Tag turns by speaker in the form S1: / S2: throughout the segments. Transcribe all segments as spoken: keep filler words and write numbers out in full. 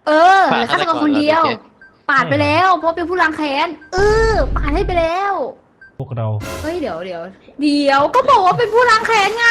S1: เออเหลือฆาตกรคนเดียว ปาดไปแล้วเพราะเป็นผู้ล้างแค้นเออปาดให้ไปแล้ว
S2: พวกเรา
S1: เฮ้ยเดี๋ยวเดี๋ยวเดี๋ยวก็บอกว่าเป็นผู้ล้างแค้นไง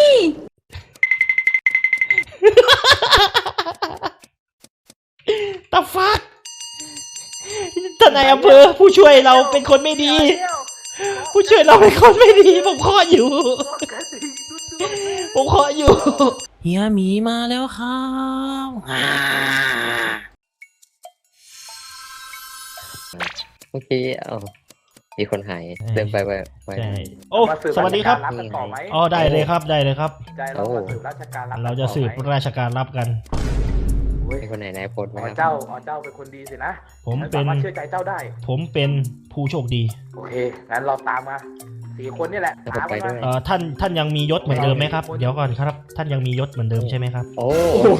S2: ตาฟักทนายอำเภอผู้ช่วยเราเป็นคนไม่ดี ผู้ช่วยเราเป็นคนไม่ดีผมขออยู่ผมขออยู่เฮียหมีมาแล้วครับ
S3: เมื่อกี้เอามีคนหายเดินไปไปไป
S2: โอ้สวัสดีครับอ๋อได้เลยครับได้เลยครับเราจะสืบราชการรับกัน
S3: คนไหนนายพลไหมครับ
S4: เจ้าอ๋อเจ้าเป็นคนดีสินะ
S2: ผมเป็น
S4: เชื่อใจเจ้าได้
S2: ผมเป็นผู้โชคดี
S4: โอเคงั้นเราตามมาสี่คนนี่แหละตามไปด้วย
S2: เอ่อท่านท่านยังมียศเหมือนเดิมไหมครับเดี๋ยวก่อนครับท่านยังมียศเหมือนเดิมใช่ไหมครับ
S3: โอ้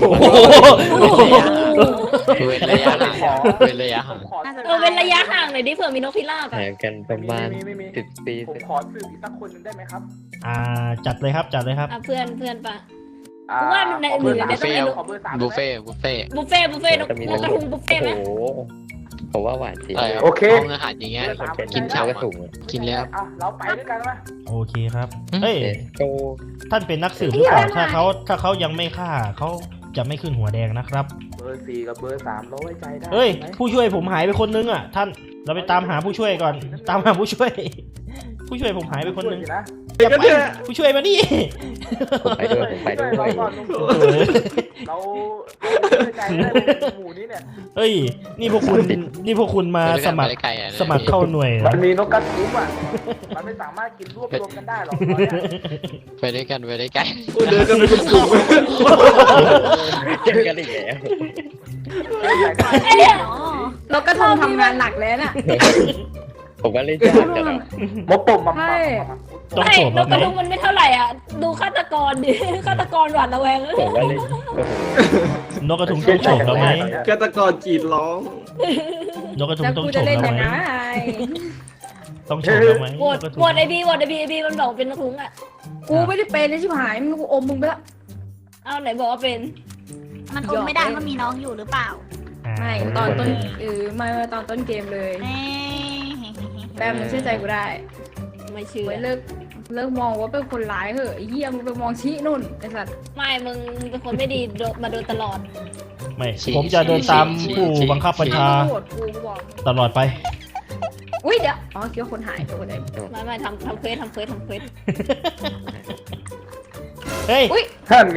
S5: เว้นระยะห่างเว้นระยะห่าง
S1: เออเว้นระยะห่างหน่อยดิเผื่อมีนกพิราบ
S3: ห่างกันประมาณสิบปี
S4: ผมขอสืบอีกสักคนนึงได้ไหมครับ
S2: อ่าจัดเลยครับจัดเลยครับ
S1: เพื่อนเพื่อนปะเพราะว่าในอื่น
S5: บุฟเฟ่บุฟเฟ่บุฟเฟ่
S1: บุฟเฟ่บุฟเฟ่นกกระทุงบุฟเฟ่ไหม
S3: ผมว่าหวานจริง
S5: โอเคอาหารอย่างเงี้ยกินเช้ากระถุงกินแล้ว
S4: เราไปด้วยกันไหม
S2: โอเคครับเฮ้ยท่านเป็นนักสืบหรือเปล่าถ้าเขาถ้าเขายังไม่ฆ่าเขาจะไม่ขึ้นหัวแดงนะครับ
S4: เบอร์สี่กับเบอร์สามเราไว้ใจได้
S2: เฮ้ยผู้ช่วยผมหายไปคนนึงอ่ะท่านเราไปตามหาผู้ช่วยก่อนตามหาผู้ช่วยผู้ช่วยผมหายไปคนนึงอย่าไปผู้ช่วยมาดิ
S3: ไปด้วยไปด้วย
S4: เราใจหมู่นี้เนี่ย
S2: เฮ้ยนี่พวกคุณนี่พวกคุณมาสมัครสมัครเข้าหน่วย
S4: มันมีนกกระทุ้มอ่ะมันไม่สามารถกินรวบรวมกันได้หรอก
S5: ไปด้วยกันไปด้วยกัน
S6: เดินกันเป็นกลุ่ม
S3: เจอกันอีกแล้ว
S1: นกกระทงทำงานหนักเลยน่ะ
S3: ผมว่าเล่นยากจัง
S4: มกปุ่มมา
S2: ต้องโฉบ
S1: นกกระทงมันไม่เท่าไหร่อ่ะดูฆาตกรดิฆาตกรหวาดระแวง
S3: ผมว่าเล่น
S2: นกกระทงต้องโฉบแล้วไหม
S6: ฆาตกรกรีดร้อง
S2: นกกระทงต้องโฉบแล้วไหมต้องโฉบแล้วไหม
S1: โหวตโหวตไอบีโหวตไอบีไอบีมันบอกเป็นนกกระทงอ่ะกูไม่ได้เป็นเลยชิบหายมึงกูอมมึงไปละเอาไหนบอกว่าเป็น
S7: มันอมไม่ได้มันมีน้องอยู่หรือเปล่า
S1: ไม่ตอนต้นเออไม่ตอนต้นเกมเลยแบมมันเชื่อใจกูได้ไม่เชื่อเลิกเลิกมองว่าเป็นคนร้ายเหอะเยี่ยมไปมองชี้นุ่นไอ้สัตว์ไม่มึงเป็นคนไม่ดีมาโดนตลอด
S2: ไม่ผมจะเดินตามผู้บังคับบัญชาตลอดไป
S1: อุ้ยเดี๋ยวอ๋อคิดว่าคนหายตัวคนไหนไม่ไม่ทำทำเควสทำเควสทำเควส
S2: เฮ้ย
S4: ท่านไง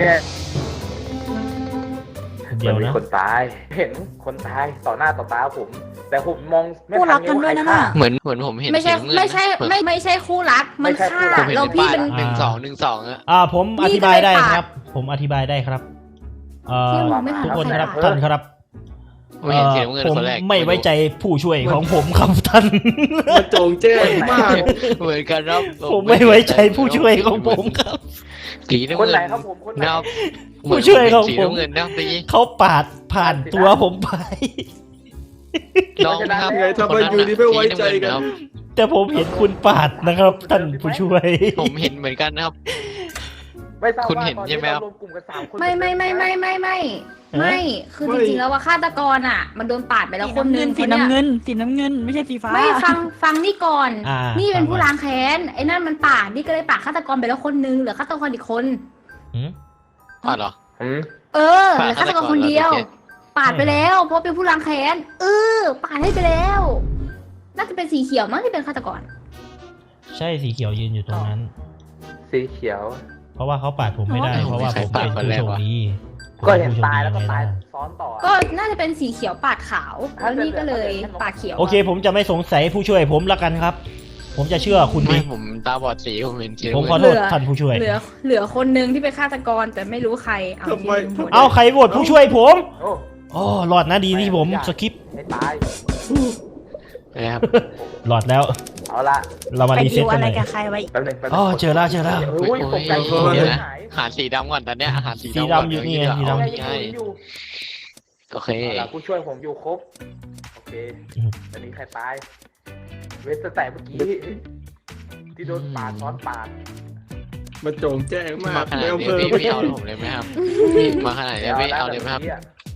S2: เดี๋ยวนะ
S4: คนตายเห็นคนตายต่อหน้าต่อตาผมแต่ผมมองไม่ทัน
S7: กันด้วยนะ
S5: เหมือนเหมือนผมเห็น
S1: ไม่ใช่ไม่ใช่ไม่ไม่ใช่คู่รักมันฆ่าเราพี่เป็น
S5: หนึ่งสองหนึ่งสองอะ
S2: อ่าผมอธิบายได้ครับผมอธิบายได้ครับเอ่อทุกคนครับท่านครับผมไม่ไว้ใจผู้ช่วยของผมครับท่าน
S6: มาโจงแจ้งมาก
S5: เหมือนกันครับ
S2: ผมไม่ไว้ใจผู้ช่วยของผมครับ
S5: สีน้ำเงิน
S4: คนไหนครับผมคนไหน
S2: ผู้ช่วยของผมเขาปาดผ่านตัวผมไป
S5: น้องครับ
S6: ไงทำไมอยู่ดีไม่ไว้ใจกัน
S2: แต่ผมเห็นคุณปาดนะครับท่านผู้ช่วย
S5: ผมเห็นเหมือนกันนะครับคุณเห็นใช่ไหมครับ
S1: ไม่ไม่ไม่ไม่ไม่ไม่ไม่คือจริงๆแล้วว่าฆาตกรอ่ะมันโดนปาดไปแล้วคนนึง
S7: สีน้ำเงินสีน้ำเงินไม่ใช่สีฟ้า
S1: ไม่ฟังฟังนี่ก่อนนี่เป็นผู้ล้างแค้นไอ้นั่นมันปาดนี่ก็เลยปาดฆาตกรไปแล้วคนนึงเหลือฆาตกรอีกคน
S5: อ๋อเหรอ
S1: เออเหลือฆาตกรคนเดียวปาดไปแล้วเพราะเป็นผู้ล้างแค้นเออปาดให้ไปแล้วน่าจะเป็นสีเขียวมั้งที่เป็นฆาตกร
S2: ใช่สีเขียวยืนอยู่ตรงนั้น
S4: สีเขียว
S2: เพราะว่าเขาปาดผมไม่ได้เพราะว่าผมเป็นผู้โชคดี
S4: ก็เห็นตายแล้วก็ตายซ้อนต่อ
S1: ก็น่าจะเป็นสีเขียวปาดขาวแล้วนี่ก็เลยปาดเขียว
S2: โอเคผมจะไม่สงสัยผู้ช่วยผมละกันครับผมจะเชื่อคุณดิ
S5: ผมตาบอดสีผมเห็น
S2: ผมขอโทษท่านผู้ช่วย
S1: เหลือเหลือคนนึงที่เป็นฆาตกรแต่ไม่รู้ใครเอา
S2: เอาใครโหวตผู้ช่วยผมอ๋อหลอดนะดีที่ผมสคิป
S4: ให้ตาย
S5: นะครับ
S2: หลอดแล้ว
S4: เอาละ
S2: เรามารีเซ็ตกันเลยอ๋อเจอแล้วเจอแล้ว
S5: หาสีดำก่อนตอนเนี้ยหา
S2: สีดำอยู่นี่ไงสีดำ
S5: ใช่โอเค
S4: ผู้ช่วยผมอยู่ครบโอเคตอนนี้ใครตายเวสแต่เมื่อกี้ที่โดนปาดซ้อนปาด
S6: มาโจงแจ้งมาก
S5: ไม่เอาเพิ่มไม่เอาผมเลยไหมครับมาขนาดนี้ไม่เอาเลยไหมครับ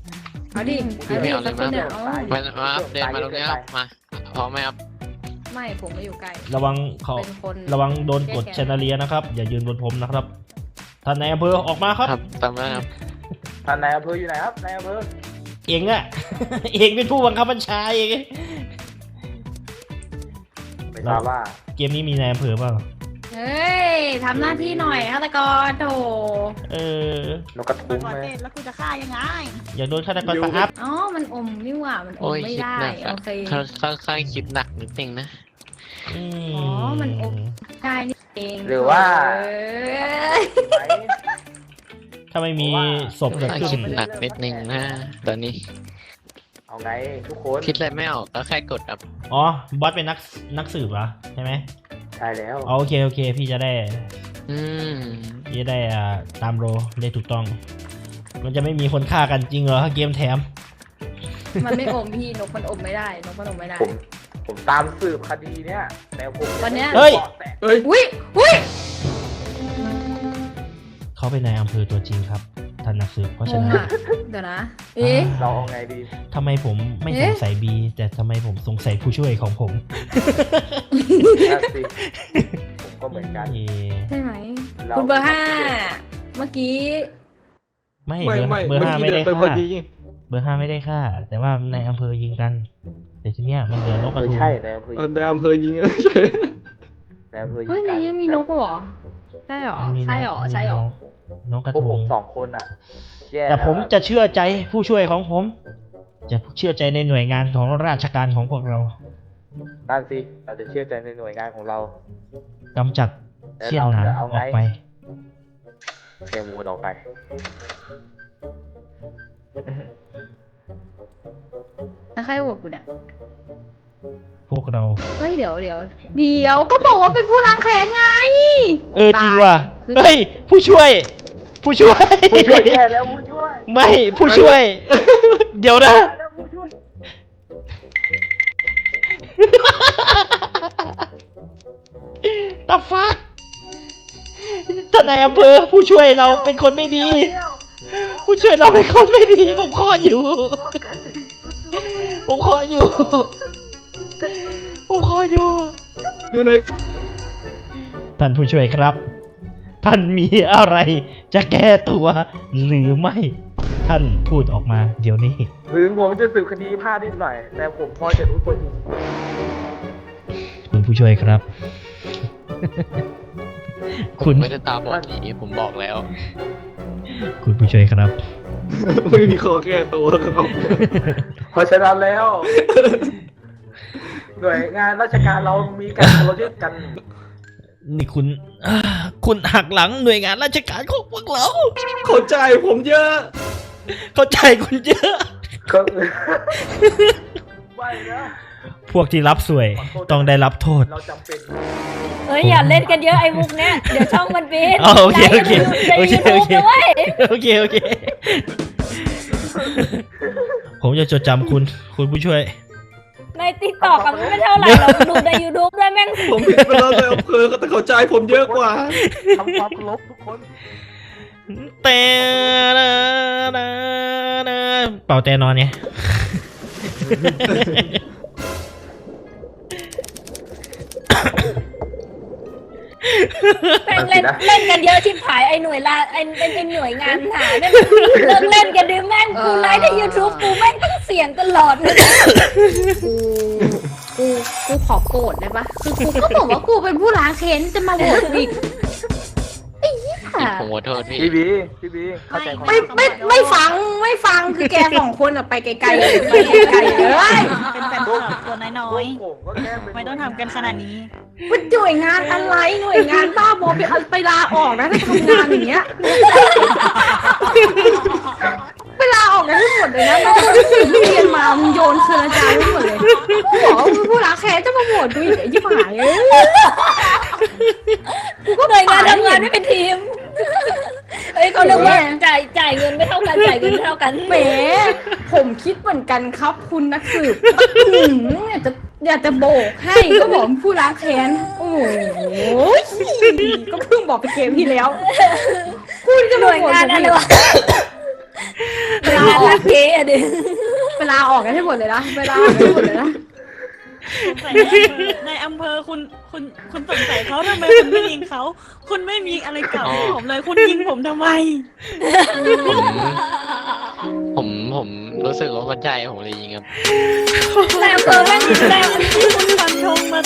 S1: เอาดิ
S5: พี่ไม่เอาเลย
S1: สักคนเนี่ยเอา
S5: มามาครับเดินมาตรงนี้ครับมาพร้อมไหมครับ
S1: ไม่ผมไม่อยู่ใกล้
S2: ระวังเขา
S1: เป็นคน
S2: ระวังโดนกดแชนเลียนะครับ อย่ายืนบนผมนะครับท่านนายอำเภอออกมาครับ
S5: ครับตามนั้นครับ
S4: ท่านนายอำเภออยู่ไหนครับนายอำเภอ
S2: เองอะ เองเป็นผู้บังคับบัญชาเอง
S4: ไม่ทราบว่า
S2: เกมนี้มีนายอำเภอเปล่า
S1: เฮ้ยทำหน้าที่หน่อยฆาตกรโถ
S2: เออน
S4: กกระทุ้ง
S7: ก่อน
S4: ไหม
S7: เต้นแล้วกูจะฆ่ายังไง
S2: อยากโดนฆาตกรปะครับ
S1: อ๋อมันอมนี่หว่ามันอ
S5: โอ้
S1: ม
S5: ย
S1: ไม่
S5: คิด
S1: ได้
S5: หนัก
S1: โอ
S5: อะ
S1: เค
S5: ค่อนค่อนข้างคิดหนักนิดนึงนะ
S2: อืม
S1: อ๋อมันอม ใช่นี่เอง
S4: หรือว่า
S1: เอ้ย
S4: ไหม
S2: ถ้าไม่มีศพ
S5: ค่อน
S2: เกิด
S5: ข้าง
S2: ขึ้
S5: คิ
S2: น
S5: ดหนักนิดนึงนะตอนนี้
S4: เอาไงทุกคน
S5: คิดอะไรไม่ออกก็แค่กดครับ
S2: อ๋อบอสเป็นนักนักสืบเหรอใช่ไหม
S4: ใช่แล้ว
S2: อ๋อโอเคโอเค พี่จะได้
S5: อืม
S2: พี่จะได้อ่าตามโรได้ถูกต้อง มันจะไม่มีคนฆ่ากันจริงเหรอถ้าเกมแถม
S1: มันไม่อมพี่นกมันอมไม่ได้นกมันอมไม่ได้
S4: ผมผมตามสืบคดีเนี้ยแต่ผม
S1: วันเนี้ย
S2: เฮ้ย
S4: แต่
S6: เฮ้ย
S1: อุ้ยอุ้ย
S2: เขาเป็นนายอำเภอตัวจริงครับท่านนักสืบเพราะ
S1: ง
S2: ฉะ
S1: ง
S2: นั้น
S1: อ่ะเดี๋ยวนะ เอ๊ะ
S4: เราเอาไงดี
S2: ทำไมผมไม่
S1: เอ๊ะ
S2: สงสัยบีแต่ทำไมผมสงสัยผู้ช่วยของผม
S4: นั่นสิผมก็เหมือนกัน
S2: เอ๊ะ
S1: ใช่ไหม
S4: เรา
S1: คุณเบอร์ห้าเมื่อกี้
S2: ไม่
S6: ไม่
S2: เบอร์
S6: ไม่
S2: เบอร์
S6: เมื่อ
S2: ห้า
S6: กี้
S2: ไม่
S6: เดิ
S2: ได้
S6: นไปพอ
S2: ฆ่า
S6: ดี
S2: เบอร์ห้าไม่ได้ฆ่า แต่ว่าในอำเภอยิงกัน แต่ทีเนี้ยมันเหลือนกกระ
S4: ไม่
S2: ทุง
S4: ใช่ในอำเภอ
S6: เออในอำเภอยิง
S4: ในอำเภอ
S1: เฮ้ยในนี้มีนกเหรอใช่เหรอ
S2: มี
S1: ใช่เหรอใช่เหรอ
S2: นกกระ
S4: พวก
S2: ทุ
S4: ผ
S2: ง
S4: มสองคนอ่ะแย่
S2: แต่ผมจะเชื่อใจผู้ช่วยของผม จะเชื่อใจในหน่วยงานของราชการของพวกเรา
S4: นั่นสิเราจะเชื่อใจในหน่วยงานของเรา
S2: กำจัดเสี้ยนหนาม
S4: แล้วเราจะเอา
S2: อ
S4: ไง
S2: อกไป
S4: เทมูนออกไป
S1: แล้วใครโหวตกูเนี่ย
S2: พวกเรา
S1: เฮ้ยเดี๋ยวเดี๋ยวเดี๋ยวก็บอกว่าเป็นผู้ล้างแค้นไง
S2: เออจริงว่ะเฮ้ยผู้ช่วย ผู้ช่วย
S4: ผู้ช่วยแย่แล้วผู้ช่วย
S2: ไม่ผู้ช่วย เดี๋ยวนะ
S4: แล้วผู้ช่วย
S2: ตาฟักท่านนายอำเภอผู้ช่วยเราเป็นคนไม่ดี ผู้ช่วยเราเป็นคนไม่ดี ผมขออยู่ ผมขออยู่ ผมขออยู่
S6: อยู่ใน
S2: ท่านผู้ช่วยครับ ท่านมีอะไรจะแก้ตัวหรือไม่ ท่านพูดออกมาเดี๋ยวนี้
S4: ถึงผมจะสืบคดีพลาดนิดหน่อย แต่ผมพอจะรู้คน
S2: คุณผู้ช่วยครับ คุณ
S5: ไม่ได้ตาบอดหนีผมบอกแล้ว
S2: คุณผู้ช่วยครับ
S6: ไม่มีข้อแก้ตัวครับ
S4: เพราะฉะนั้นแล้ว หน่วยงานราชการเรามีการเคารพกัน
S2: นี่คุณอ่าคุณหักหลังหน่วยงานราชการของพวกเรา
S6: เข้าใจผมเยอะ
S2: เข้าใจคุณเยอะ
S4: ก็ไม่นะ
S2: พวกที่รับสวยต้องได้รับโทษ
S4: เราจำเป็น
S8: เอ้ยอย่าเล่นกันเยอะไอ้มุกเนี้ยเดี๋ยวช่องมันบิน
S2: อ๋อโอเคโอเค
S8: ไล
S2: โอ
S8: ฟ์
S2: เค
S8: กัน
S2: โอ
S8: ใน
S2: เค
S8: ยูทูบด้วย
S2: โอเคโอเค ผมจะจดจำคุณ คุณผู้ช่วย
S8: ในติ๊กต็อกอะมันไม่เท่าไหร่หรอกดูในยูทูบด้วยแม่ง
S6: ผมผิดไปแล้วในอำเภอแต่เข้าใจผมเยอะกว่า
S4: ทำความเคารพทุกคน
S2: แต่เป่าแต่นอนไง
S8: แม่งเล่นเล่นกันเยอะชิบหายไอ้หน่วยละไอ้ไอ้ไอ้หน่วยงานหาเนี่ยเลิกเล่นกันดิแม่งกูไลฟ์ในยูทูบกูแม่งต้องเสียงตลอดเลย
S1: กูกูกูขอโกรธได้ปะคือกูก็บอกว่ากูเป็นผู้ล้างแค้นจะมาโหวตอีกไอ้เหี้ย
S5: ผมขอโทษพี่
S4: พี่บีพี่บีเข้าใจความ
S1: ไม่ไม่ไม่ฟังไม่ฟังคือแกสองคนอะไปไกลๆเลยไปไกลๆเลย
S7: เป็นแฟนคลับตัวน้อย
S4: ผมก็แค่เป็น
S7: ๆไม่ต้องทำกันขนาดนี้
S1: มันหน่วยงานอะไรหน่วยงานบ้าบอไปเอาไปลาออกนะถ้าทำงานอย่างเงี้ยไปลาออกกันทั้งหมดเลยนะแล้วก็สิ่งที่เรียนมามึงโยนคืนอาจารย์ทั้งหมดเลยกูบอกว่าผู้ล้างแค้นจะมาโหวตกูอีกไอ้ยี่หายเอ้ยกูก็
S8: หน่วยงานทำงานไม่เป็นทีมเอ้ยเขาเรียกว่าจ่ายจ่ายเงินไม่เท่ากันจ่ายเงินไม่เท่ากัน
S1: แหมผมคิดเหมือนกันครับคุณนักสืบหืมอยากจะอยากจะโบกให้ก็บอกผู้ล้างแค้นโอ้โหก็เพิ่งบอกไปเกมที่แล้วคุณจะ
S8: หน่วยงานอะไรวะ
S1: เวลาออก
S8: รักเก๋อะดิ
S1: เวลาออกกันให้หมดเลยนะเวลาออกกันให้หมดเลยนะ
S7: สงสัยในอำเภอคุณคุณคุณสงสัยเขาทำไมคุณไม่ยิงเขาคุณไม่มีอะไรเก่าให้ผมเลยคุณยิงผมทำไม
S5: ผมผมรู้สึกว่ามันใจผมเลยยิงครับ
S8: แต่อำเภอแม่งแต่
S7: คุณฟันธงมา